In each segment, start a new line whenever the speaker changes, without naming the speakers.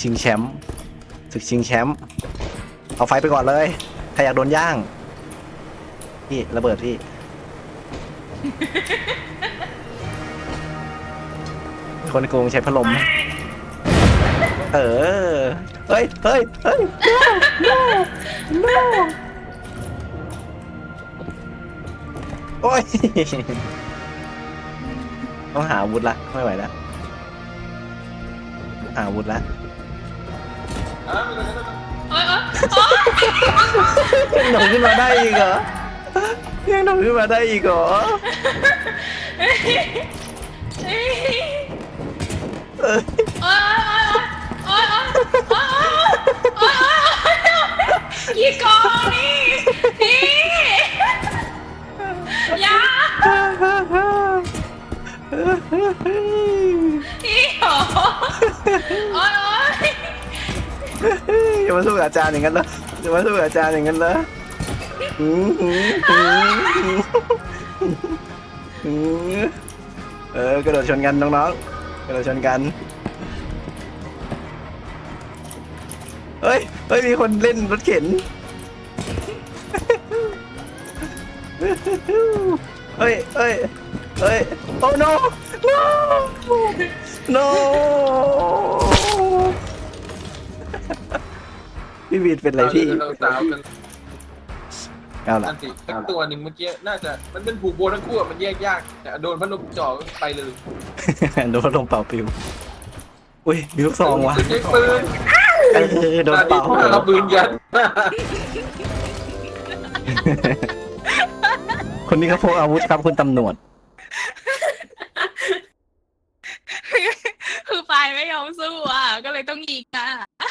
ชิงแชมป์ศึกชิงแชมป์เอาไฟไปก่อนเลยใครอยากโดนย่างพี่ระเบิดพี่คนโกงใช้พัดลมเออเฮ้ยเฮ้ยเฮ้ย no no no โอ้ยต้องหาอาวุธละไม่ไหวแล้วหาอาวุธละยังหนุ่มขึ้นมาได้อีกเหรอยังหนุ่มขึ้นมาได้อีกเหรอ
กี่กองนี่พี่ยาพี่โอ้ย
อย่ามาสู้กับอาจารย์อย่างนั้นเลยอย่ามาสู้กับอาจารย์อย่างนั้นเลยกระโดดชนกันน้องๆกระโดดชนกันเฮ้ยมีคนเล่นรถเข็นเฮ้ยโอ้ no no พี่บีดเป็นอะไรพี่เอาล่ะ
สักตัวหนึ่งเมื่อกี้น่าจะมันเป็นผูกโบทั้งคู่มันแยกยากแต่โดนพัดลมจ่อไปเลย
โดนพัดลมเป่าปิวอุ้ยมีลูกซองว่ะ
ปืน
โดนเป่า
เราปืนยัน
คนนี้เขาพกอาวุธครับคุณตำรวจ
คือไฟไม่ยอมสู้อ่ะก็เลยต้องยิงอ่ะ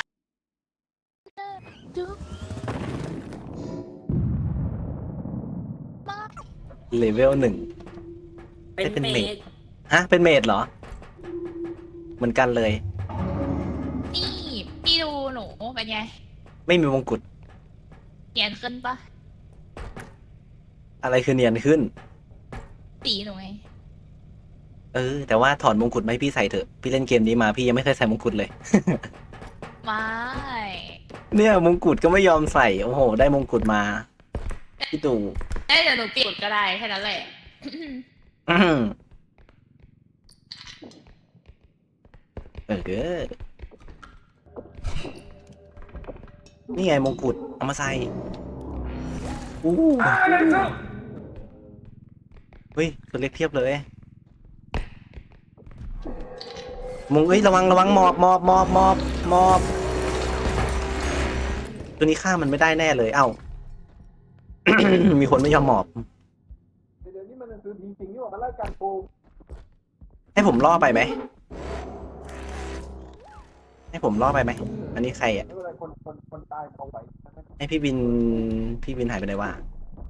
เลเวล 1เป็นเมดฮะเป็นเมดเหรอเหมือนกันเลย
นี่พี่ดูหนูเป็นไง
ไม่มีมงกุฎ
เนียนขึ้นปะ
อะไรคือเนียนขึ้น
สีหนูไง
แต่ว่าถอดมงกุฎมาให้พี่ใส่เถอะพี่เล่นเกมนี้มาพี่ยังไม่เคยใส่มงกุฎเลย
ไม่
เนี่ยมงกุฎก็ไม่ยอมใส่โอ้โหได้มงกุฎมาพี่ตู่
ได้เดี๋ยวหนูเปลี่ยนก็ได้แค่นั้นแหละ
นี่ไงมงกุฎเอามาใส่อู้เฮ้ยตัวเล็กเทียบเลยระวังหมอบตัวนี้ฆ่ามันไม่ได้แน่เลยเอ้า มีคนไม่ยอมหมอบ
เดี๋ยวนี้มันคือจริงๆนี่ว่ามันไล่การโกง
ให้ผมล่อไปไหมอันนี้ใครอ่ะ
ไม่เป็นไรคนตายเอาไว้
ให้พี่บินหายไปไหนวะ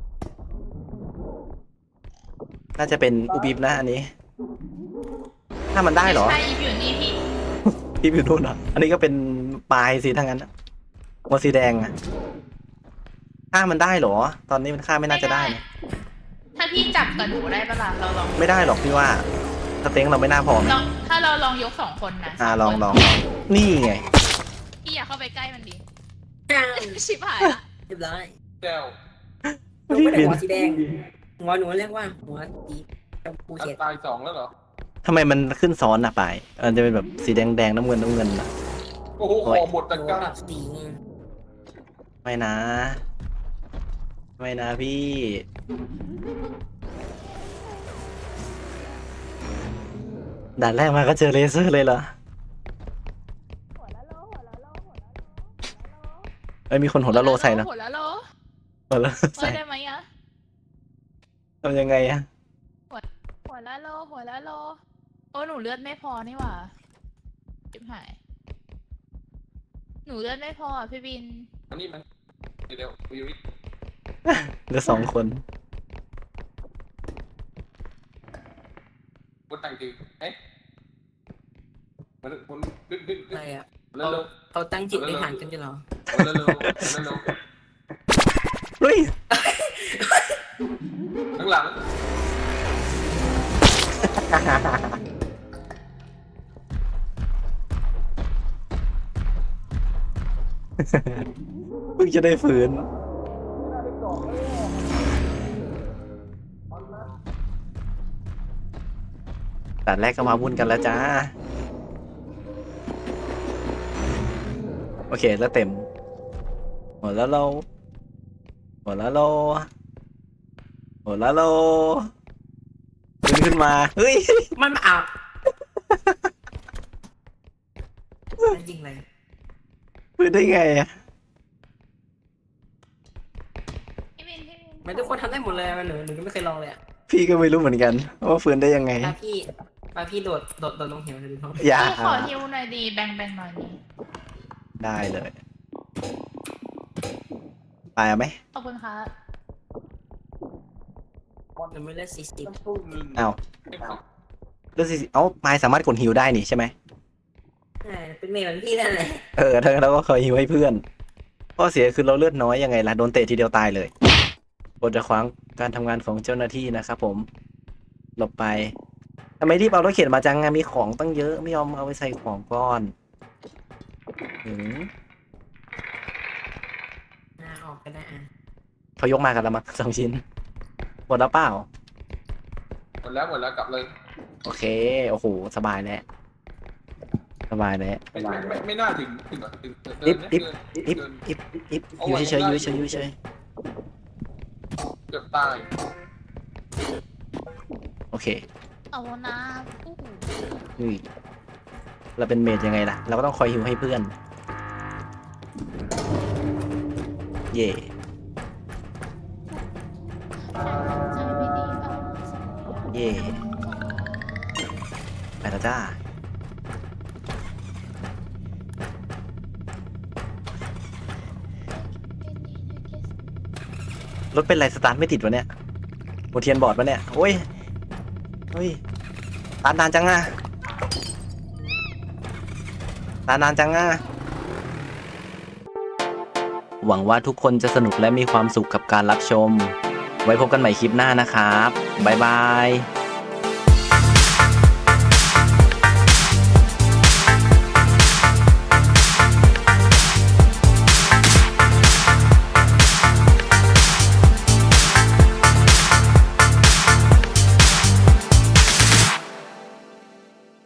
น่าจะเป็นอูบิบนะอันนี้ ถ้ามันได้เหรอ
ใช่อยู่นี่พี่
พี่บิวนู่นเหรออันนี้ก็เป็นปลายสีทั้งนั้นหัวสีแดงอะฆ่ามันได้เหรอตอนนี้มันฆ่าไม่น่าจะได้นะ
ถ้าพี่จับกับหนูได้ปะล่ะเราลอง
ไม่ได้หรอกพี่ว่าสเต็งเราไม่น่าพอไหม
ถ้าเราลองยก2 คนนะ
ลองนี่ไง
พี่อยากเข้าไปใกล้มันดิ
อ้าว
ชิบหายละ
เรียบร้อย
แก้ว
หนูไม่ได้หัวสีแดงหัวหนูเรียกว่าหัวสีชมพูเขียด
ตาย2แล้วเหรอ
ทำไมมันขึ้นซ้อนอะปลายมันจะเป็นแบบสีแดงน้ำเงินอะ
โอ้โหคอหมดตะ
หัว
กร้า
แบบสีไง
ไม่นะพี่ด่านแรกมาก็เจอเลเซอร์เลยเหรอมีคนหัวละโลใส่นะ
หัวละโล
หัวละ
เฮ้
ใส่
ยได้ไหมอะ
ทำยังไงอะ
หัวละโลโอ้หนูเลือดไม่พอนี่หว่าชิบหายหนูเลือดไม่พออ่ะพี่บิน
อันนี้มันเดี๋ยววิริ
เหลือ2 คน
บนต่างทีเอ๊ะมันดึง
อะไรอ่ะ
เร็ว
เขาตั้งจิตในฐานกันจะเหรอ
เร็ว
เฮ้ย
ข้างหลัง
เพิ่งจะได้ฝืนแต่แรกก็มาวุ่นกันแล้วจ้า โอเคแล้วเต็มหมดแล้วเราหมดแล้วเราหมดแล้วเราขึ้นมาเฮ้ย
มันมาอาบจริงเลย
ฟื้นได้ไงอะ
พี่วิน
มันทุกคนทำได้หมดเลยหนูก็ไม่เคยลองเลยอ่ะ
พี่ก็ไม่รู้เหมือนกันว่าฟื้นได้ยังไง
พี่โดดลงเหวเลยดูท้อง
อย่า
พี่ขอฮิวหน่อยดีแบ่งหน่อยดี
ได้เลยไปเอาไหม
ขอบคุณครับ
หนูไม่เลือก40
ต้องตู้นึง
เอาเลือดสิเอาปลายสามารถกดฮิวได้นี่ใช่ไหม
เป็นเมย์เหมือนพี่นั่นแหละ
ถ้างั้นเราก็คอยฮิวให้เพื่อนข้อเสียคือเราเลือดน้อยยังไงล่ะโดนเตะทีเดียวตายเลยกดจะขวางการทำงานของเจ้าหน้าที่นะครับผมหลบไปทำไมรีบเอารถเข็นมาจังอะมีของตั้งเยอะไม่ยอมเอาไปใส่ของก่อนหืม
ออกก็ได้อ่ะ
เขายกมากันแล้วมั้ง2 ชิ้นหมดแล้วเปล่า
หมดแล้วกลับเลย
โอเคโอ้โหสบายแล้วสบายแล้ว
ไม่น่าถึง
อิบ
เกิน
อยู่เฉยๆอยู่เฉยๆอยู่เฉย
เกือบตาย
ๆโอเค
เอานะอู้หู
อุ้ยเราเป็นเมดยังไงล่ะ เราก็ต้องคอยฮิวให้เพื่อน เย่
ใจไม่ดีบ้าง
เย่ไปแล้วจ้า รถเป็นไรสตาร์ทไม่ติดวะเนี่ยโมเทียนบอร์ดวะเนี่ยโอ้ยเฮ้ยตานานจังอ่ะตานานจังอ่ะหวังว่าทุกคนจะสนุกและมีความสุขกับการรับชม ไว้พบกันใหม่คลิปหน้านะครับ บ๊ายบาย